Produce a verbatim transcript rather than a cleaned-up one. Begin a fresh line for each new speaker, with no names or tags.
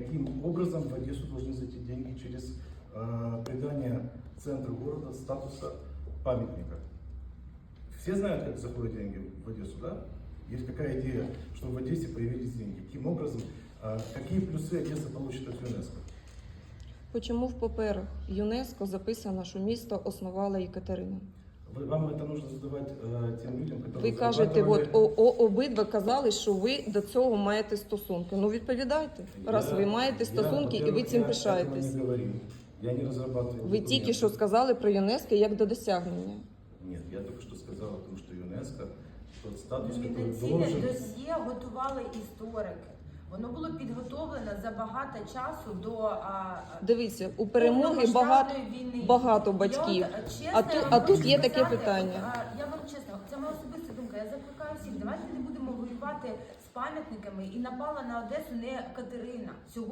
каким образом в Одессу должны зайти деньги через э, придание центру города статуса памятника. Все знают, как заходят деньги в Одессу, да? Есть какая идея, чтобы в Одессе появились деньги? Каким образом, э, какие плюсы Одесса получит от ЮНЕСКО?
Чому в паперах ЮНЕСКО записано, що місто основала Екатерина?
Вы, вам это нужно задавать э, тем людям, которые...
Ви кажете, от,
зарабатывали-
о, о, обидва казали, що ви до цього маєте стосунки. Ну відповідайте, раз
Я-
ви маєте стосунки
я,
і ви цим
во-первых,
пишаєтесь.
Я этого не говорил. Я не разрабатывал
Ви
документы.
тільки що сказали про ЮНЕСКО як до досягнення.
Нет, я только что сказал о том, что ЮНЕСКО тот статус, который
Номінаційне
должен...
досьє готували історики. Воно було підготовлено за багато часу до а,
Дивіться, у перемоги багато,
повномасштабної війни.
багато батьків.
Я от, чесно,
А ту-
я вам
а тут
хочу
є таке
сказати,
питання.
а, Я вам чесно, це моя особиста думка. Я закликаю всіх, давайте не будемо воювати з пам'ятниками, і напала на Одесу не Катерина.